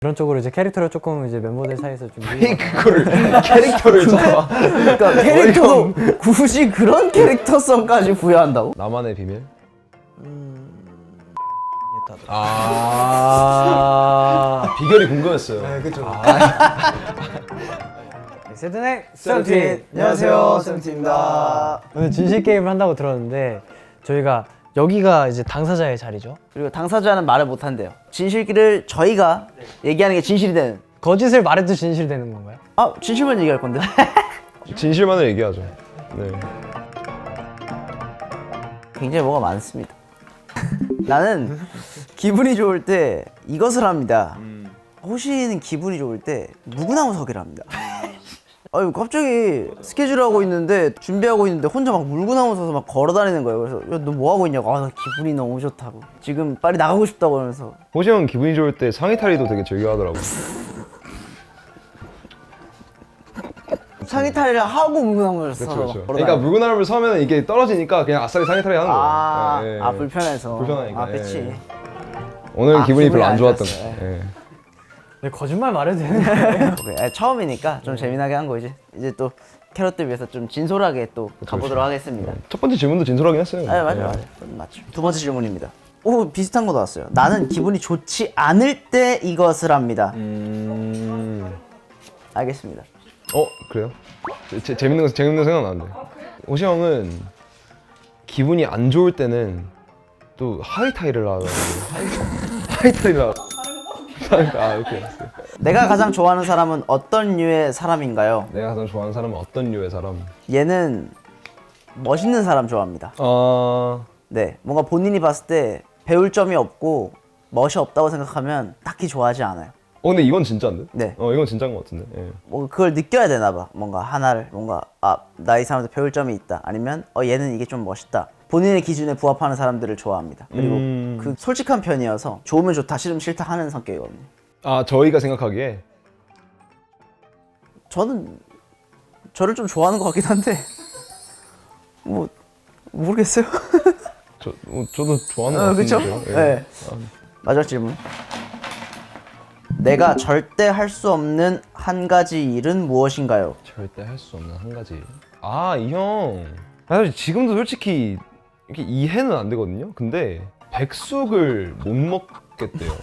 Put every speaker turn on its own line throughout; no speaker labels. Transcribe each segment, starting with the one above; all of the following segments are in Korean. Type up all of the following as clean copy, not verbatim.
그런 쪽으로 이제 캐릭터를 조금 이제 멤버들 사이에서 좀
그거를 캐릭터를 잡아.
그러니까 캐릭터도 굳이 그런 캐릭터성까지 부여한다고?
나만의 비밀? 비결이 궁금했어요.
네, 그쵸. 세븐의
세븐틴! 안녕하세요, 세븐틴입니다.
오늘 진실 게임을 한다고 들었는데 저희가 여기가 이제 당사자의 자리죠.
그리고 당사자는 말을 못 한대요. 진실기를 저희가 얘기하는 게 진실이 되는.
거짓을 말해도 진실이 되는 건가요?
아, 진실만 얘기할 건데.
진실만을 얘기하죠. 네.
굉장히 뭐가 많습니다. 나는 기분이 좋을 때 이것을 합니다. 호시는 기분이 좋을 때 무구나무 서기를 합니다. 아유, 갑자기 스케줄 하고 있는데 준비하고 있는데 혼자 막 물구나무 서서 막 걸어다니는 거예요. 그래서 야, 너 뭐 하고 있냐고. 아, 나 기분이 너무 좋다고. 지금 빨리 나가고 싶다고 하면서.
호시 형은 기분이 좋을 때 상의 탈의도 되게 즐겨 하더라고.
상의 탈의를 하고 물구나무를 서서
그렇죠.
걸어다니는.
그러니까 물구나무를 서면 이게 떨어지니까 그냥 아싸리 상의 탈의 하는 거예요.
아,
예, 예.
아, 불편해서.
불편하니까,
아, 그치.
예. 오늘 기분이 별로 안 좋았던
좋았어요.
거예요. 예.
네, 거짓말 말해도 되는 거예요?
오케이. 처음이니까 좀 재미나게 한 거지. 이제 또 캐럿들 위해서 좀 진솔하게 또 가보도록 하겠습니다.
첫 번째 질문도 진솔하긴 했어요.
아, 맞아,
예.
맞아. 맞죠. 두 번째 질문입니다. 오, 비슷한 거 나왔어요. 나는 기분이 좋지 않을 때 이것을 합니다. 알겠습니다.
그래요? 재밌는 거 생각 나는데. 호시 형은 기분이 안 좋을 때는 또 하이타이를 하더라고요. 하이타이를 하고. 아, 이렇게 알았어요.
내가 가장 좋아하는 사람은 어떤 류의 사람인가요?
내가 가장 좋아하는 사람은 어떤 류의 사람?
얘는 멋있는 사람 좋아합니다. 네, 뭔가 본인이 봤을 때 배울 점이 없고 멋이 없다고 생각하면 딱히 좋아하지 않아요.
근데 이건 진짜인데?
네.
이건 진짜인 것 같은데. 예.
뭐 그걸 느껴야 되나 봐. 뭔가 하나를 뭔가 나 이 사람한테 배울 점이 있다. 아니면 얘는 이게 좀 멋있다. 본인의 기준에 부합하는 사람들을 좋아합니다. 그리고 그 솔직한 편이어서 좋으면 좋다, 싫으면 싫다 하는 성격이거든요.
저희가 생각하기에
저는 저를 좀 좋아하는 것 같긴 한데 뭐 모르겠어요.
저도 좋아하는 것
그렇죠?
같은데요. 예.
네. 마지막 질문. 내가 절대 할 수 없는 한 가지 일은 무엇인가요?
절대 할 수 없는 한 가지. 이 형. 사실 지금도 솔직히 이렇게 이해는 안 되거든요. 근데 백숙을 못 먹겠대요.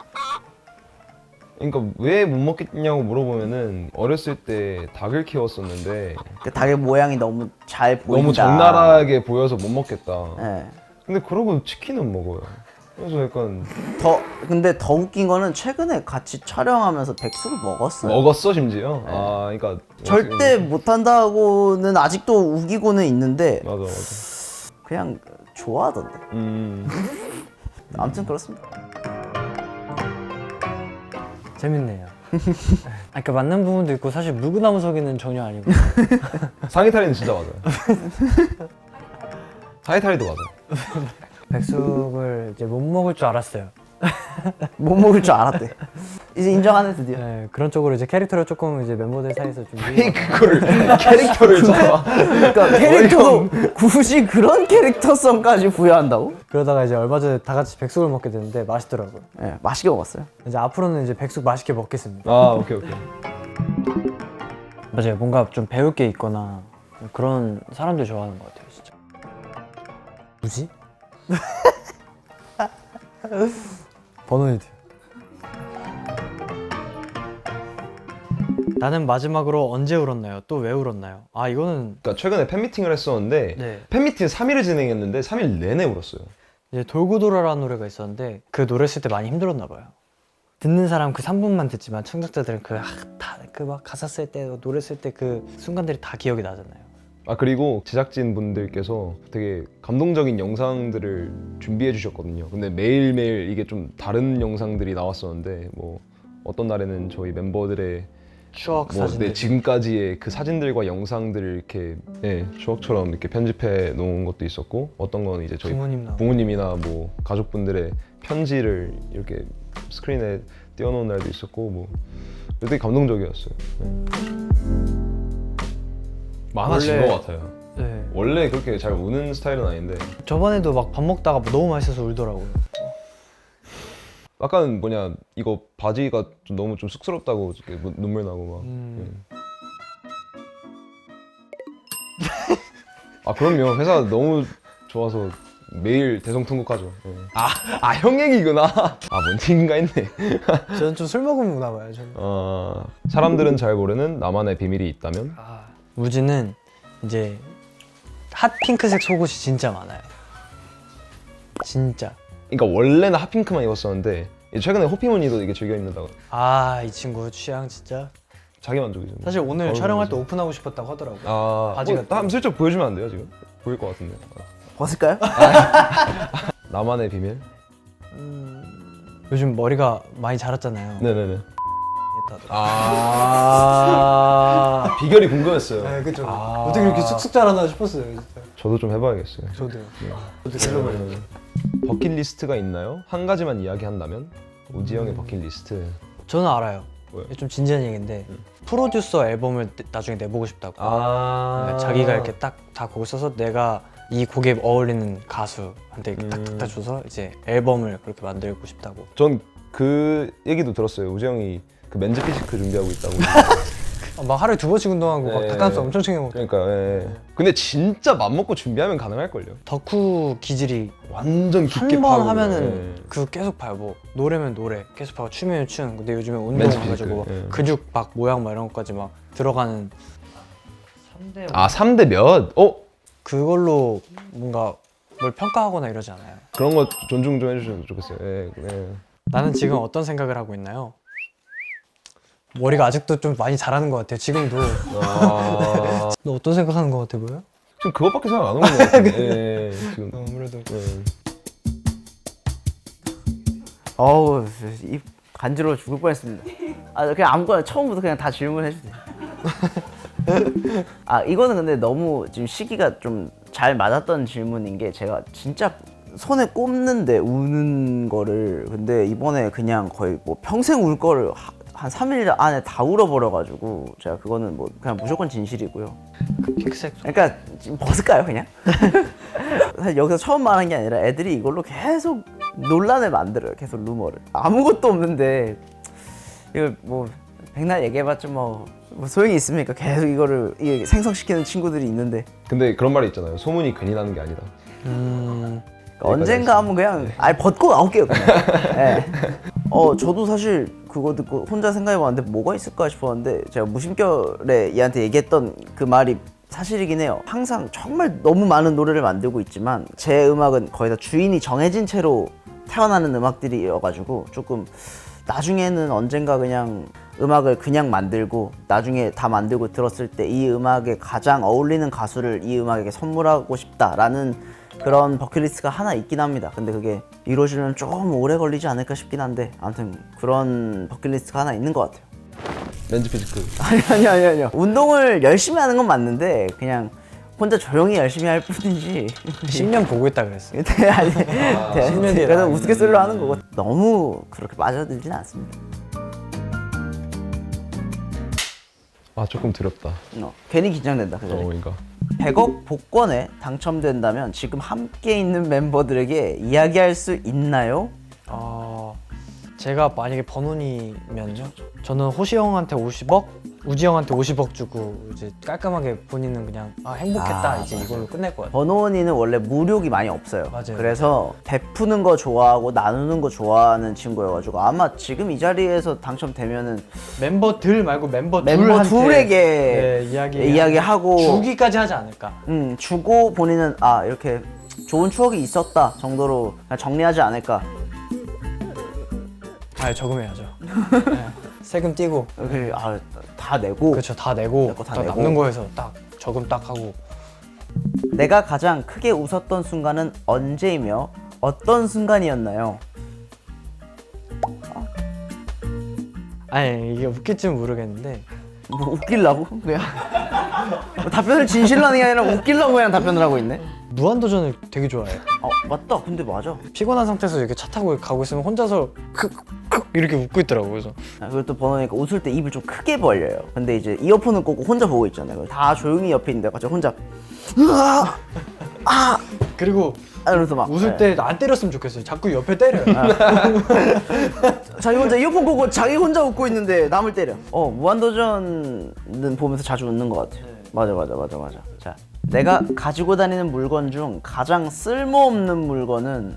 그러니까 왜 못 먹겠냐고 물어보면은 어렸을 때 닭을 키웠었는데
그 닭의 모양이 너무 잘 보인다.
너무 적나라하게 보여서 못 먹겠다.
네.
근데 그러고 치킨은 먹어요. 그래서 약간
근데 더 웃긴 거는 최근에 같이 촬영하면서 백숙을 먹었어요.
먹었어 심지어. 그러니까
절대 못한다고는 아직도 우기고는 있는데
맞아.
그냥 좋아하던데. 아무튼 그렇습니다.
재밌네요. 그러니까 맞는 부분도 있고 사실 물구나무 서기는 전혀 아니고.
상의 탈의는 진짜 맞아요. 상의 탈의도 맞아요.
백숙을 이제 못 먹을 줄 알았어요.
못 먹을 줄 알았대. 이제 인정하네 드디어.
네, 그런 쪽으로 이제 캐릭터를 조금 이제 멤버들 사이에서 좀
그거를 캐릭터를 잡아.
그러니까 캐릭터도 굳이 그런 캐릭터성까지 부여한다고?
그러다가 이제 얼마 전에 다 같이 백숙을 먹게 됐는데 맛있더라고요.
네, 맛있게 먹었어요.
이제 앞으로는 이제 백숙 맛있게 먹겠습니다.
오케이.
맞아요. 뭔가 좀 배울 게 있거나 그런 사람들 좋아하는 것 같아요, 진짜. 뭐지? 버논이드. 나는 마지막으로 언제 울었나요? 또 왜 울었나요? 이거는
그러니까 최근에 팬미팅을 했었는데
네.
팬미팅 3일을 진행했는데 3일 내내 울었어요.
이제 돌고 돌아라는 노래가 있었는데 그 노래 쓸 때 많이 힘들었나 봐요. 듣는 사람 그 3분만 듣지만 청각자들은 그 막 가사 쓸 때 노래 쓸 때 그 순간들이 다 기억이 나잖아요.
그리고 제작진 분들께서 되게 감동적인 영상들을 준비해 주셨거든요. 근데 매일매일 이게 좀 다른 영상들이 나왔었는데 뭐 어떤 날에는 저희 멤버들의
추억 사진들.
지금까지의 그 사진들과 영상들을 이렇게 추억처럼 이렇게 편집해 놓은 것도 있었고, 어떤 건 이제 저희 부모님이나 뭐 가족분들의 편지를 이렇게 스크린에 띄워놓은 날도 있었고, 뭐 되게 감동적이었어요. 많아진 것 같아요.
네.
원래 그렇게 잘 우는 스타일은 아닌데
저번에도 막 밥 먹다가 너무 맛있어서 울더라고요.
약간 뭐냐 이거 바지가 좀 너무 좀 쑥스럽다고 이렇게 뭐 눈물 나고 막. 아 그럼요. 회사 너무 좋아서 매일 대성통곡하죠. 예. 형 얘기구나. 뭔 얘기인가 했네.
저는 좀 술 먹으면 우나 봐요. 저는.
사람들은 잘 모르는 나만의 비밀이 있다면?
우지는 이제 핫 핑크색 속옷이 진짜 많아요. 진짜.
그러니까 원래는 핫핑크만 입었었는데 최근에 호피무늬도 이게 즐겨 입는다고.
이 친구 취향 진짜.
자기 만족이죠.
사실 오늘
바로
촬영할 때
보면서.
오픈하고 싶었다고 하더라고요. 바지가
한번 슬쩍 보여주면 안 돼요 지금? 보일 것 같은데.
벗을까요?
나만의 비밀?
요즘 머리가 많이 자랐잖아요.
네네네.
했다더라고요.
비결이 궁금했어요.
네, 그죠. 어떻게 이렇게 쑥쑥 자라나 싶었어요, 진짜.
저도 좀 해봐야겠어요.
저도요.
버킷리스트가 있나요? 한 가지만 이야기한다면? 우지 형의 버킷리스트.
저는 알아요.
뭐요?
좀 진지한 얘기인데 프로듀서 앨범을 나중에 내보고 싶다고.
아.
그러니까 자기가 이렇게 딱 다 곡을 써서 내가 이 곡에 어울리는 가수한테 이렇게 딱딱 줘서 이제 앨범을 그렇게 만들고 싶다고.
전 그 얘기도 들었어요. 우지 형이 그 맨즈 피지크 준비하고 있다고.
막 하루에 2번씩 운동하고 막
네.
닭가슴살 엄청 챙겨 먹고.
그러니까 예. 근데 진짜 맘먹고 준비하면 가능할걸요.
덕후 기질이
완전 깊게
한 번
파고.
하면은
예.
그 계속 봐요. 뭐 노래면 노래 계속 봐고 춤이면 춤. 근데 요즘에
맨즈
운동해가지고
피지크, 예.
근육 막 모양 막 이런 것까지 막 들어가는 3대
3대 몇?
그걸로 뭔가 뭘 평가하거나 이러지 않아요.
그런 거 존중 좀 해주셔도 좋겠어요. 예.
나는 지금 어떤 생각을 하고 있나요? 머리가 아직도 좀 많이 자라는 것 같아요. 지금도. 너 어떤 생각하는 것 같아 보여?
지금 그것밖에 생각 안 오는 것 같아요. 예. 지금.
아무래도.
예.
어우, 입 간지러워 죽을 뻔했습니다. 그냥 아무거나 처음부터 그냥 다 질문해 주세요. 이거는 근데 너무 지금 시기가 좀 잘 맞았던 질문인 게 제가 진짜 손에 꼽는데 우는 거를 근데 이번에 그냥 거의 뭐 평생 울 거를 한 3일 안에 다 울어버려가지고 제가 그거는 뭐 그냥 무조건 진실이고요.
그 픽색.
그러니까 지금 벗을까요 그냥? 사실 여기서 처음 말한 게 아니라 애들이 이걸로 계속 논란을 만들어요. 계속 루머를. 아무것도 없는데 이걸 뭐 백날 얘기해봤자 뭐 소용이 있습니까? 계속 이거를 생성시키는 친구들이 있는데
근데 그런 말이 있잖아요. 소문이 괜히 나는 게 아니다.
언젠가 한번 그냥 벗고 나올게요 그냥. 네. 저도 사실 그거 듣고 혼자 생각해봤는데 뭐가 있을까 싶었는데 제가 무심결에 얘한테 얘기했던 그 말이 사실이긴 해요. 항상 정말 너무 많은 노래를 만들고 있지만 제 음악은 거의 다 주인이 정해진 채로 태어나는 음악들이어가지고 조금 나중에는 언젠가 그냥 음악을 그냥 만들고 나중에 다 만들고 들었을 때 이 음악에 가장 어울리는 가수를 이 음악에게 선물하고 싶다라는 그런 버킷리스트가 하나 있긴 합니다. 근데 그게 이루어지면 좀 오래 걸리지 않을까 싶긴 한데 아무튼 그런 버킷리스트가 하나 있는 것 같아요.
맨즈 피지크.
아니요. 운동을 열심히 하는 건 맞는데 그냥 혼자 조용히 열심히 할 뿐이지
10년 보고 있다 그랬어요.
아니,
10년 뒤에
그래서 우스갯소리로 하는 거고 너무 그렇게 빠져들진 않습니다.
조금 두렵다.
괜히 긴장된다 그 자리.
그러니까.
100억 복권에 당첨된다면 지금 함께 있는 멤버들에게 이야기할 수 있나요?
제가 만약에 번훈이면요? 저는 호시 형한테 50억, 우지 형한테 50억 주고 이제 깔끔하게 본인은 그냥 행복했다 이제 이걸로 끝낼 것 같아요.
번호원이는 원래 무력이 많이 없어요.
맞아요.
그래서 베푸는 거 좋아하고 나누는 거 좋아하는 친구여가지고 아마 지금 이 자리에서 당첨되면은
멤버들 말고 멤버
둘에게 이야기하고
주기까지 하지 않을까.
주고 본인은 이렇게 좋은 추억이 있었다 정도로 그냥 정리하지 않을까.
저금해야죠. 네. 세금 떼고.
다 내고.
그렇죠. 다 내고
다
딱
내고.
남는 거에서 딱 저금 딱 하고.
내가 가장 크게 웃었던 순간은 언제이며 어떤 순간이었나요?
이게 웃길지는 모르겠는데
뭐 웃기려고? 그냥 답변을 진실로 하는 게 아니라 웃기려고 그냥 답변을 하고 있네.
무한도전을 되게 좋아해요.
맞다. 근데 맞아.
피곤한 상태에서 이렇게 차 타고 가고 있으면 혼자서 크크 이렇게 웃고 있더라고요. 그래서
그리고 또 번호니까 웃을 때 입을 좀 크게 벌려요. 근데 이제 이어폰을 꽂고 혼자 보고 있잖아요. 다 조용히 옆에 있는데 갑자기 혼자
그리고
이러면서 막
웃을 때 안 때렸으면 좋겠어요. 자꾸 옆에 때려요.
자기 혼자 이어폰 꽂고 자기 혼자 웃고 있는데 남을 때려. 무한도전은 보면서 자주 웃는 것 같아요. 맞아. 자, 내가 가지고 다니는 물건 중 가장 쓸모없는 물건은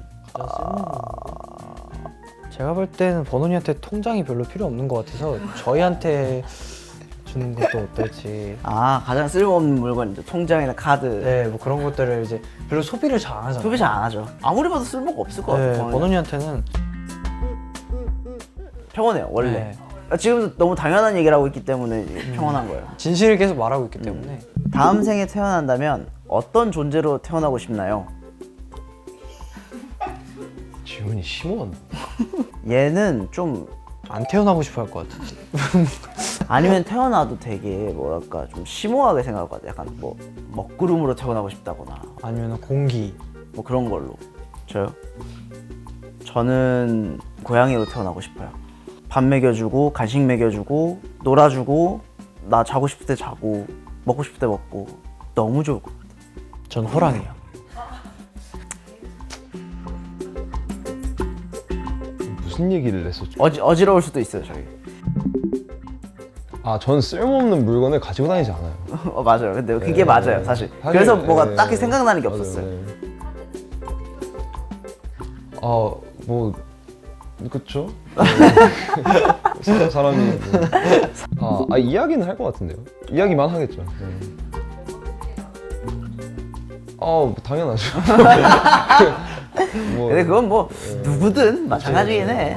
제가 볼 때는 버논이한테 통장이 별로 필요 없는 것 같아서 저희한테 주는 것도 어떨지.
가장 쓸모없는 물건이죠. 통장이나 카드.
네, 뭐 그런 것들을 이제 별로 소비를 잘 안 하잖아요.
소비 잘 안 하죠. 아무리 봐도 쓸모가 없을 것
네,
같아요.
버논이한테는
평온해요, 원래.
네.
지금도 너무 당연한 얘기를 하고 있기 때문에 평온한 거예요.
진실을 계속 말하고 있기 때문에.
다음 생에 태어난다면 어떤 존재로 태어나고 싶나요?
지훈이 심오한데.
얘는 좀
안 태어나고 싶어 할 것 같은데.
아니면 태어나도 되게 뭐랄까 좀 심오하게 생각할 것 같아. 약간 뭐 먹구름으로 태어나고 싶다거나
아니면 공기.
뭐 그런 걸로. 저요? 저는 고양이로 태어나고 싶어요. 밥 먹여주고 간식 먹여주고 놀아주고 나 자고 싶을 때 자고 먹고 싶을 때 먹고 너무 좋을 것 같아요.
전 호랑이요.
무슨 얘기를 했었죠?
어지러울 수도 있어요, 저희.
전 쓸모없는 물건을 가지고 다니지 않아요.
맞아요. 근데 그게
네.
맞아요, 사실.
사실,
그래서 뭐가
네.
딱히 생각나는 게
맞아요,
없었어요.
네. 뭐 그쵸? 네. 사람이 이야기는 할 것 같은데요. 이야기만 하겠죠. 네. 뭐 당연하죠. 뭐,
근데 그건 뭐 누구든 마찬가지긴 해.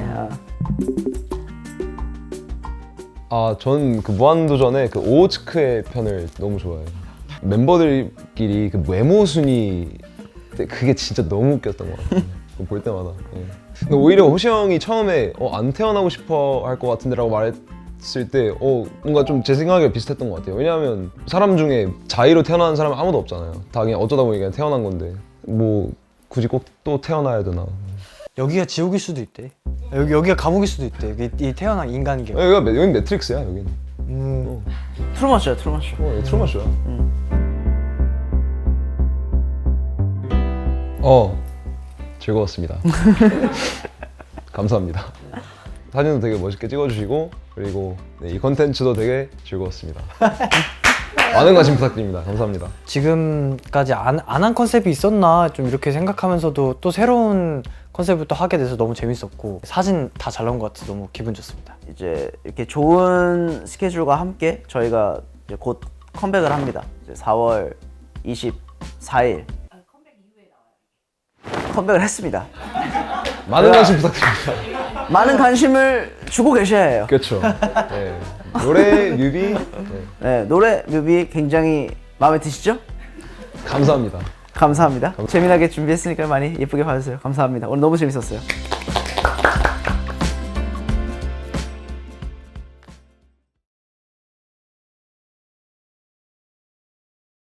전 그 무한도전의 그 오호츠크의 편을 너무 좋아해요. 멤버들끼리 그 외모 순위 그게 진짜 너무 웃겼던 것 같아요. 그거 볼 때마다. 예. 근데 오히려 호시 형이 처음에 안 태어나고 싶어 할 것 같은데라고 말했을 때 뭔가 좀 제 생각이랑 비슷했던 것 같아요. 왜냐하면 사람 중에 자의로 태어나는 사람은 아무도 없잖아요. 다 그냥 어쩌다 보니 그냥 태어난 건데 뭐 굳이 꼭 또 태어나야 되나.
여기가 지옥일 수도 있대. 여기가 감옥일 수도 있대. 이 태어난 인간계.
여긴 매트릭스야 여긴.
트루먼쇼야, 트루먼쇼.
여기 트루먼쇼야. 즐거웠습니다. 감사합니다. 사진도 되게 멋있게 찍어주시고 그리고 이 컨텐츠도 되게 즐거웠습니다. 많은 관심 부탁드립니다. 감사합니다.
지금까지 안 한 컨셉이 있었나 좀 이렇게 생각하면서도 또 새로운 컨셉을 또 하게 돼서 너무 재밌었고 사진 다 잘 나온 것 같아서 너무 기분 좋습니다.
이제 이렇게 좋은 스케줄과 함께 저희가 이제 곧 컴백을 합니다. 이제 4월 24일 컴백을 했습니다.
많은 관심 부탁드립니다.
많은 관심을 주고 계셔야 해요.
그렇죠. 네. 노래, 뮤비
네, 노래, 뮤비 굉장히 마음에 드시죠?
감사합니다.
감사합니다. 재미나게 준비했으니까 많이 예쁘게 봐주세요. 감사합니다. 오늘 너무 재밌었어요.